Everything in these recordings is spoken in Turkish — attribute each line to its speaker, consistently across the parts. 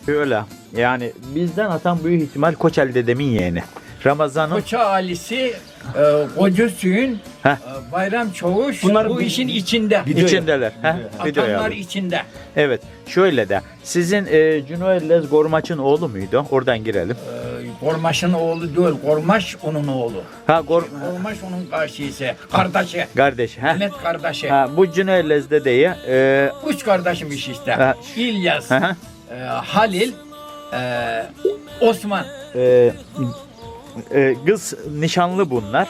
Speaker 1: Öyle. Yani bizden atan büyük ihtimal Koçel dedemin yeğeni. Ramazan'ın
Speaker 2: Koça ailesi, Koca Süyün,
Speaker 1: Heh.
Speaker 2: Bayram Çavuş
Speaker 3: Bunlar
Speaker 2: bu
Speaker 3: bir-
Speaker 2: işin içinde.
Speaker 1: içindeler. Video
Speaker 2: Atanlar
Speaker 1: aldım.
Speaker 2: içinde.
Speaker 1: Evet. Şöyle de sizin Cuno Ellez Gormaç'ın oğlu muydu? Oradan girelim.
Speaker 2: Gormaş'ın oğlu değil, Gormaş onun oğlu. Gormaş onun karşısı, kardeşi.
Speaker 1: Kardeşi.
Speaker 2: Mehmet kardeşi.
Speaker 1: Bu Cuno Ellez dedeyi
Speaker 2: Üç kardeşmiş işte.
Speaker 1: Ha.
Speaker 2: İlyas,
Speaker 1: Hı.
Speaker 2: Halil, Osman.
Speaker 1: Kız nişanlı bunlar.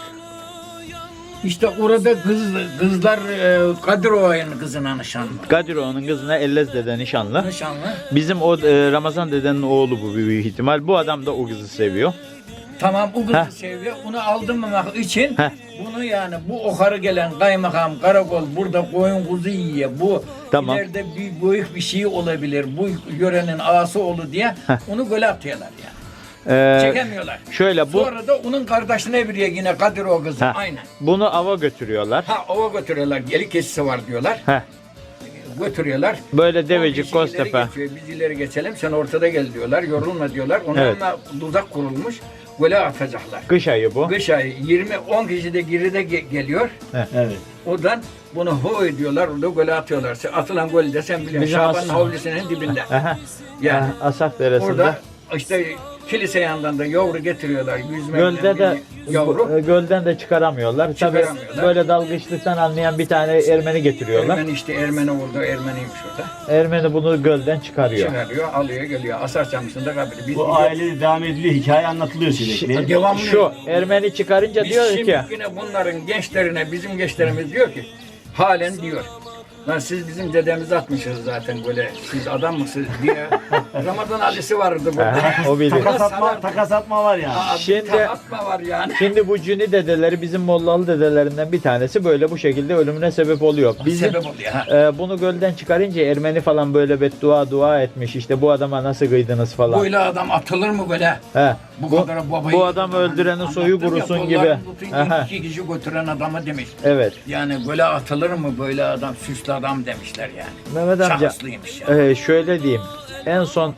Speaker 2: İşte orada kızlar Kadirova'nın kızına nişanlı.
Speaker 1: Kadiroğlu'nun kızına Ellez dede nişanlı.
Speaker 2: Nişanlı.
Speaker 1: Bizim o Ramazan dedenin oğlu bu büyük ihtimal. Bu adam da o kızı seviyor.
Speaker 2: Tamam o kızı
Speaker 1: Heh.
Speaker 2: seviyor. Onu aldırmamak için
Speaker 1: Heh.
Speaker 2: bunu yani bu okarı gelen kaymakam, karakol burada koyun kuzu yiyor. Bu
Speaker 1: Tamam.
Speaker 2: ileride büyük bir şey olabilir. Bu yörenin ağası olur diye onu göle atıyorlar yani. Çekemiyorlar.
Speaker 1: Şöyle bu
Speaker 2: Sonra da onun kardeşine bir yine Kadirov kızı.
Speaker 1: Heh.
Speaker 2: Aynen.
Speaker 1: bunu ava götürüyorlar.
Speaker 2: Ova götürüyorlar. Geli kesisi var diyorlar.
Speaker 1: Heh.
Speaker 2: Götürüyorlar.
Speaker 1: Böyle Devecik,
Speaker 2: O kişi ileri
Speaker 1: Göztepe.
Speaker 2: geçiyor, biz ileri geçelim. Sen ortada gel diyorlar. Yorulma diyorlar. Onlarla
Speaker 1: Evet.
Speaker 2: tuzak kurulmuş. Göle atacaklar.
Speaker 1: Kış ayı bu.
Speaker 2: Kış ayı 10 kişi de geride geliyor.
Speaker 3: Evet.
Speaker 2: Oradan bunu ho ediyorlar. Orada göle atıyorlar. Atılan golü de sen biliyorsun.
Speaker 1: Bizim
Speaker 2: Şaban'ın
Speaker 1: aslında-
Speaker 2: havlisinin dibinde.
Speaker 1: Aha.
Speaker 2: Yani
Speaker 1: Asak Deresi'nde.
Speaker 2: orada işte kilise yanından da yavru getiriyorlar. Yüzme
Speaker 1: Gölde
Speaker 2: bilen
Speaker 1: de
Speaker 2: bir yavru.
Speaker 1: gölden de çıkaramıyorlar.
Speaker 2: Çıkaramıyorlar.
Speaker 1: Tabii böyle dalgıçlıktan anlayan bir tane Ermeni getiriyorlar.
Speaker 2: Ermeni orada. Ermeniymiş orada.
Speaker 1: Ermeni bunu gölden çıkarıyor.
Speaker 2: Çıkarıyor, alıyor, geliyor. Asar Çamlısu'nda kabri. Biz
Speaker 3: Bu ailede devam ediliyor. Hikaye anlatılıyor sürekli.
Speaker 2: devamlı.
Speaker 1: Şu Ermeni çıkarınca
Speaker 2: Biz
Speaker 1: diyor
Speaker 2: şimdi
Speaker 1: ki
Speaker 2: yine bunların gençlerine, bizim gençlerimiz diyor ki halen diyor. Lan siz bizim dedemizi atmışsınız zaten böyle. Siz adam mısınız diye. Ramazan Ali'si vardı burada.
Speaker 1: o biliyor.
Speaker 3: Takas atma var ya.
Speaker 1: Şimdi-
Speaker 2: atma var yani.
Speaker 1: Şimdi bu Cüni dedeleri bizim Mollalı dedelerinden bir tanesi böyle bu şekilde ölümüne sebep oluyor. Bizim
Speaker 2: Sebep oluyor. Ha.
Speaker 1: bunu gölden çıkarınca Ermeni falan böyle dua etmiş işte bu adama nasıl kıydınız falan.
Speaker 2: Böyle adam atılır mı böyle?
Speaker 1: He.
Speaker 2: Bu
Speaker 1: Bu,
Speaker 2: kadar babayı.
Speaker 1: bu adam öldürenin soyu
Speaker 2: Anlattım ya,
Speaker 1: kurusun gibi.
Speaker 2: kollarını tutun,
Speaker 1: Aha.
Speaker 2: 2 kişi götüren adama demiş.
Speaker 1: Evet.
Speaker 2: Yani böyle atılır mı böyle adam, süslü adam demişler yani.
Speaker 1: Mehmet amca
Speaker 2: Şahslıymış yani.
Speaker 1: şöyle diyeyim. En son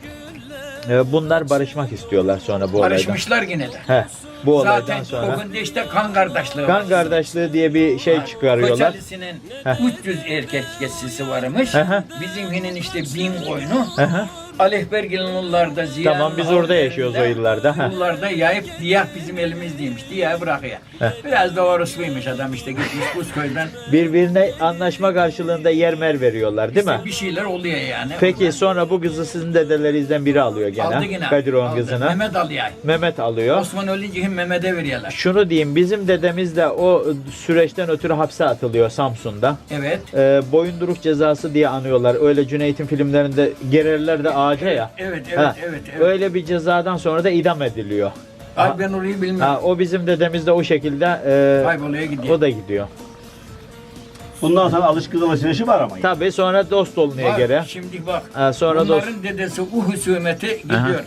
Speaker 1: bunlar barışmak istiyorlar sonra bu olaydan.
Speaker 2: Barışmışlar yine de.
Speaker 1: He. Bu olaydan
Speaker 2: Zaten
Speaker 1: sonra.
Speaker 2: o gün de işte kan kardeşliği
Speaker 1: Kan
Speaker 2: var.
Speaker 1: kardeşliği diye bir şey çıkarıyorlar.
Speaker 2: Koçalisi'nin
Speaker 1: Heh.
Speaker 2: 300 erkek geçsisi varmış.
Speaker 1: Hı hı.
Speaker 2: Bizimkinin işte 1000 koyunu.
Speaker 1: Hı hı.
Speaker 2: Alekbergil'in yıllarda Ziya'nın
Speaker 1: Tamam, biz orada yaşıyoruz o yıllarda. Heh.
Speaker 2: Yıllarda yayıp diyah bizim elimizdeymiş. Diyah bırakıyor.
Speaker 1: Heh.
Speaker 2: Biraz da orosluymuş adam işte gitmiş Kuzköy'den.
Speaker 1: Birbirine anlaşma karşılığında yer mer veriyorlar değil mi?
Speaker 2: İşte bir şeyler oluyor yani.
Speaker 1: Peki sonra bu kızı sizin dedelerinizden biri alıyor gene.
Speaker 2: Aldı yine.
Speaker 1: Kadirov'un
Speaker 2: Aldı.
Speaker 1: kızını.
Speaker 2: Mehmet alıyor.
Speaker 1: Mehmet alıyor.
Speaker 2: Osman ölünce hem Mehmet'e veriyorlar.
Speaker 1: Şunu diyeyim bizim dedemiz de o süreçten ötürü hapse atılıyor Samsun'da.
Speaker 2: Evet.
Speaker 1: Boyunduruk cezası diye anıyorlar. Öyle Cüneyt'in filmlerinde gererler de ağaca ya.
Speaker 2: Evet,
Speaker 1: Ha,
Speaker 2: evet.
Speaker 1: Öyle bir cezadan sonra da idam ediliyor.
Speaker 2: Ay ben orayı bilmiyorum.
Speaker 1: O bizim dedemiz de o şekilde
Speaker 2: Kayboluyor gidiyor.
Speaker 1: o da gidiyor.
Speaker 3: Bundan sonra alışkın alışverişi var ama.
Speaker 1: Tabii sonra dost olmaya
Speaker 2: Bak,
Speaker 1: göre.
Speaker 2: şimdi bak.
Speaker 1: Sonra
Speaker 2: Bunların dedesi o husumete gidiyor.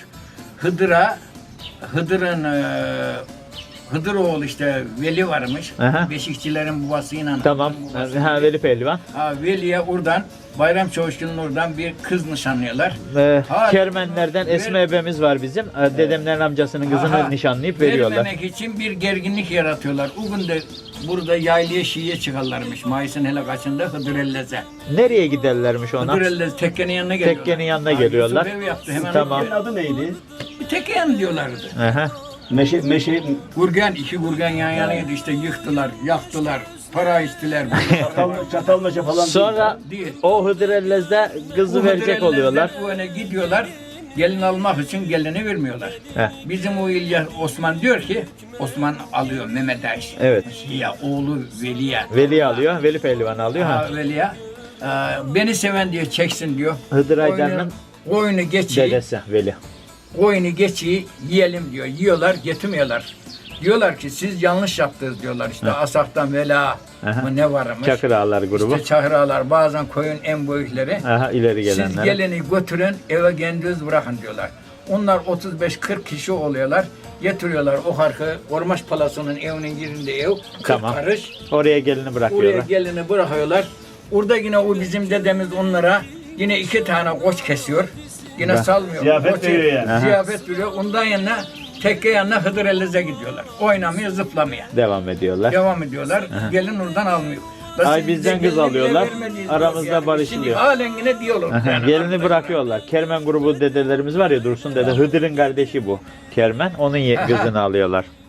Speaker 2: Hıdır'ın Hıdıroğlu işte Veli varmış.
Speaker 1: Aha.
Speaker 2: Beşikçilerin babasıyla.
Speaker 1: Tamam.
Speaker 2: Babası.
Speaker 1: Veli Pehlivan.
Speaker 2: Veli'ye oradan Bayram Çavuşçu'nun oradan bir kız nişanlıyorlar.
Speaker 1: Kermenlerden Esme ebemiz var bizim. Dedemlerin amcasının kızını
Speaker 2: Aha.
Speaker 1: nişanlayıp veriyorlar.
Speaker 2: Vermemek için bir gerginlik yaratıyorlar. O gün de burada yaylaya şiye çıkarlarmış. Mayıs'ın hele kaçında Hıdırellez'e.
Speaker 1: Nereye giderlermiş ona?
Speaker 2: Hıdırellez tekkenin yanına geliyorlar.
Speaker 1: Tekkenin yanına geliyorlar.
Speaker 2: Yusuf ev yaptı hemen.
Speaker 1: Tamam.
Speaker 3: Senin adı neydi?
Speaker 2: Bir tekken diyorlardı.
Speaker 1: Aha.
Speaker 3: Meşe
Speaker 2: Gurgen, iki gurgen yan yanaydı işte yıktılar, yaktılar, para istiler.
Speaker 3: çatal meşe falan.
Speaker 1: Sonra
Speaker 2: Değil.
Speaker 1: o Hıdırellez'de kızı verecek oluyorlar.
Speaker 2: Bu öne gidiyorlar, gelin almak için gelini vermiyorlar.
Speaker 1: Heh.
Speaker 2: Bizim o İlyas Osman diyor ki, Osman alıyor Mehmet Ayş.
Speaker 1: Evet.
Speaker 2: Ya oğlu Veli'ye.
Speaker 1: Veli alıyor. Veli Pehlivan alıyor. Ha.
Speaker 2: Veli'ye. Beni seven diye çeksin diyor.
Speaker 1: Hıdır Aydar'ın
Speaker 2: Koyunu geçiyi,
Speaker 1: dedesi Veli.
Speaker 2: koyunu geçiyi yiyelim diyor. Yiyorlar, getirmiyorlar. Diyorlar ki siz yanlış yaptınız diyorlar. İşte Asaf'tan Vela
Speaker 1: Aha.
Speaker 2: mı ne varmış.
Speaker 1: Çakır Ağalar grubu.
Speaker 2: İşte Çakır Ağalar, bazen koyun en büyükleri.
Speaker 1: Aha, ileri
Speaker 2: Siz
Speaker 1: gelenler.
Speaker 2: geleni götürün eve kendiniz bırakın diyorlar. Onlar 35-40 kişi oluyorlar. Getiriyorlar o harkı. Ormaş Palası'nın evinin yerinde ev. 40
Speaker 1: Tamam.
Speaker 2: karış.
Speaker 1: Oraya gelini
Speaker 2: Oraya
Speaker 1: bırakıyorlar.
Speaker 2: gelini bırakıyorlar. Orada yine o bizim dedemiz onlara yine 2 tane koç kesiyor. Yine
Speaker 1: Ben-
Speaker 2: salmıyor.
Speaker 3: Ziyafet
Speaker 2: O şey-
Speaker 3: veriyor yani.
Speaker 1: Aha.
Speaker 2: Ziyafet veriyor. Ondan yanına tekke yanına Hıdır Ellez'e gidiyorlar. Oynamaya, zıplamaya.
Speaker 1: Devam ediyorlar.
Speaker 2: Devam ediyorlar. Gelin oradan almıyor.
Speaker 1: Ay
Speaker 2: Siz
Speaker 1: bizden
Speaker 2: bize
Speaker 1: kız
Speaker 2: gelin bile
Speaker 1: alıyorlar,
Speaker 2: vermediniz
Speaker 1: aramızda
Speaker 2: diyor yani.
Speaker 1: barışılıyor.
Speaker 2: Şimdi halen yine diyorlar. yani.
Speaker 1: Gelini bırakıyorlar. Kermen grubu dedelerimiz var ya, Dursun dede, Hıdır'ın kardeşi bu. Kermen, onun kızını alıyorlar.